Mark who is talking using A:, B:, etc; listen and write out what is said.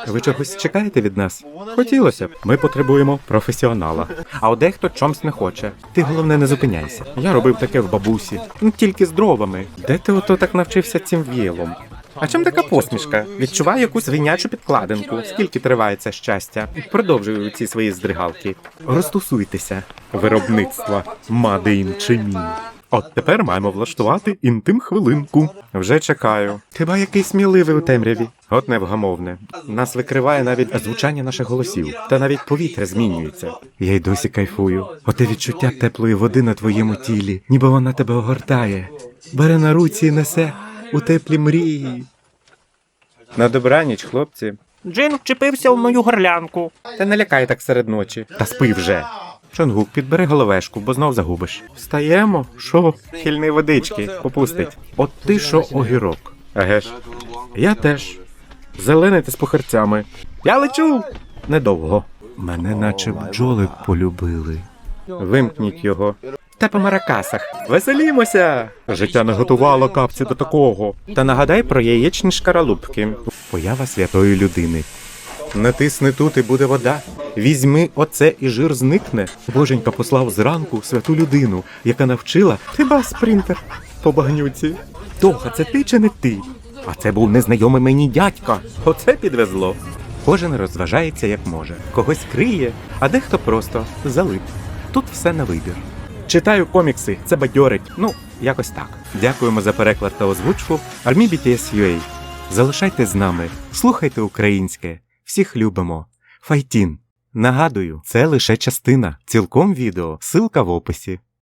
A: Ви чогось чекаєте від нас? Хотілося б. Ми потребуємо професіонала. А от дехто чомусь не хоче. Ти головне не зупиняйся. Я робив таке в бабусі. Ну тільки з дровами. Де ти ото так навчився цим віялом? А чим така посмішка? Відчуваю якусь свинячу підкладинку. Скільки триває це щастя? Продовжую ці свої здригалки. Розтусуйтеся. Виробництва Made in Chemie. От тепер маємо влаштувати інтим-хвилинку. Вже чекаю. Хіба який сміливий у темряві? От невгамовне. Нас викриває навіть звучання наших голосів. Та навіть повітря змінюється. Я й досі кайфую. Оте відчуття теплої води на твоєму тілі, ніби вона тебе огортає. Бере на руці і несе у теплі мрії. На добраніч, хлопці.
B: Джин вчепився в мою горлянку.
A: Та не лякай так серед ночі. Та спи вже. Чонгук, підбери головешку, бо знов загубиш. Встаємо? Шо? Хильний водички, попустить. От ти що огірок. Еге ж. Я теж. Зелений ти з похерцями. Я лечу! Недовго. Мене наче бджоли полюбили. Вимкніть його. Та по маракасах. Веселімося! Життя не готувало капці до такого. Та нагадай про яєчні шкаралупки. Поява святої людини. Натисни тут і буде вода. Візьми оце і жир зникне. Боженька послав зранку святу людину, яка навчила хіба спринтер по багнюці. Тоха, це ти чи не ти? А це був незнайомий мені дядька. Оце підвезло. Кожен розважається як може. Когось криє, а дехто просто залип. Тут все на вибір. Читаю комікси, це бадьорить. Ну, якось так. Дякуємо за переклад та озвучку Army BTS.UA. Залишайтесь з нами, слухайте українське. Всіх любимо. Файтін. Нагадую, це лише частина. Цілком відео. Ссылка в описі.